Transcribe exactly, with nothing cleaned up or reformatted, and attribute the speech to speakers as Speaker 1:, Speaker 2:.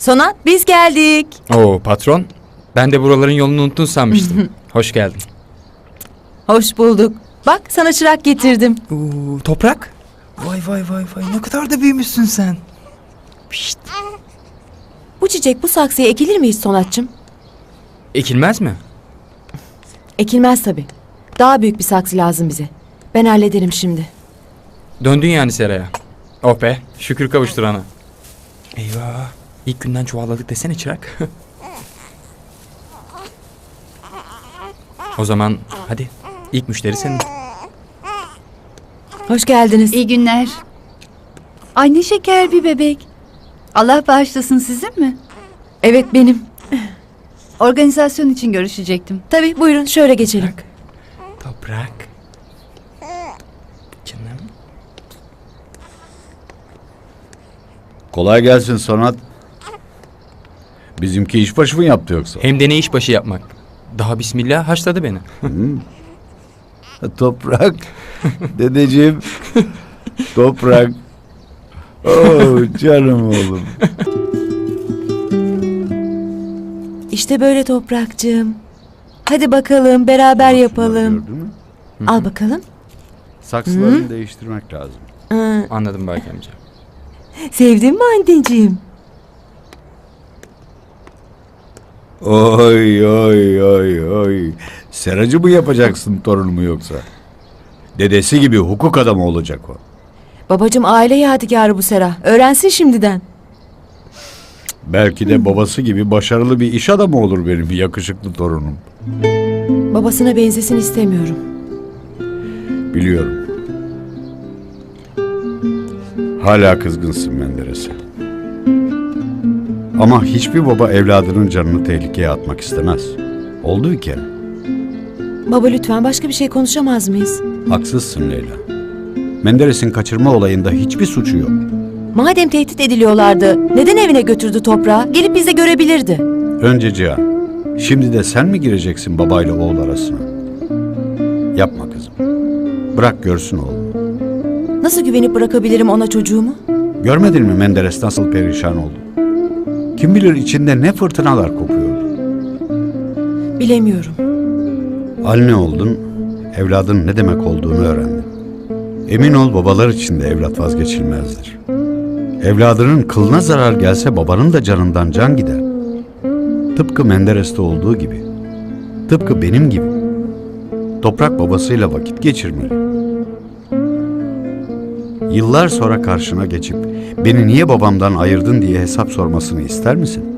Speaker 1: Sonat, biz geldik.
Speaker 2: Oo patron. Ben de buraların yolunu unuttun sanmıştım. Hoş geldin.
Speaker 1: Hoş bulduk. Bak sana çırak getirdim.
Speaker 2: Oo, toprak. Vay vay vay vay ne kadar da büyümüşsün sen. Pişt.
Speaker 1: Bu çiçek bu saksıya ekilir mi hiç Sonatçım?
Speaker 2: Ekilmez mi?
Speaker 1: Ekilmez tabii. Daha büyük bir saksı lazım bize. Ben hallederim şimdi.
Speaker 2: Döndün yani seraya. Oh be şükür kavuşturana. Eyvah. İlk günden çuvalladık desene çırak. O zaman hadi ilk müşteri senin.
Speaker 1: Hoş geldiniz.
Speaker 3: İyi günler. Ay ne şeker bir bebek. Allah bağışlasın, sizin mi?
Speaker 1: Evet benim.
Speaker 3: Organizasyon için görüşecektim.
Speaker 1: Tabii buyurun şöyle geçelim.
Speaker 2: Toprak. Toprak. Canım.
Speaker 4: Kolay gelsin Sonat. Bizimki işbaşı mı yaptı yoksa?
Speaker 2: Hem de ne işbaşı yapmak. Daha bismillah haşladı beni.
Speaker 4: Toprak. Dedeciğim. Toprak. Oo canım oğlum.
Speaker 1: İşte böyle Toprakcığım. Hadi bakalım beraber yapalım.
Speaker 4: Gördün mü?
Speaker 1: Al bakalım.
Speaker 4: Saksılarını değiştirmek lazım.
Speaker 1: Hı,
Speaker 2: Anladım Baki amca.
Speaker 1: sevdin mi anneciğim?
Speaker 4: Oy oy oy oy. Seracı mı yapacaksın torunumu yoksa? Dedesi gibi hukuk adamı olacak o.
Speaker 1: Babacığım aile yadigarı bu Sera. Öğrensin şimdiden.
Speaker 4: Belki de babası gibi başarılı bir iş adamı olur benim yakışıklı torunum.
Speaker 1: Babasına benzesin istemiyorum.
Speaker 4: Biliyorum. Hala kızgınsın Menderes'e. Ama hiçbir baba evladının canını tehlikeye atmak istemez. Oldu bir kere.
Speaker 1: Baba lütfen başka bir şey konuşamaz mıyız?
Speaker 4: Haksızsın Leyla. Menderes'in kaçırma olayında hiçbir suçu yok.
Speaker 1: Madem tehdit ediliyorlardı, neden evine götürdü toprağı? Gelip bizi görebilirdi.
Speaker 4: Önce Cihan, şimdi de sen mi gireceksin babayla oğul arasına? Yapma kızım. Bırak görsün oğlum.
Speaker 1: Nasıl güvenip bırakabilirim ona çocuğumu?
Speaker 4: Görmedin mi Menderes nasıl perişan oldu? Kim bilir içinde ne fırtınalar kopuyordu.
Speaker 1: Bilemiyorum.
Speaker 4: Anne oldun, evladın ne demek olduğunu öğrendin. Emin ol babalar için de evlat vazgeçilmezdir. Evladının kılına zarar gelse babanın da canından can gider. Tıpkı Menderes'te olduğu gibi. Tıpkı benim gibi. Toprak babasıyla vakit geçirmeli. Yıllar sonra karşına geçip beni niye babamdan ayırdın diye hesap sormasını ister misin?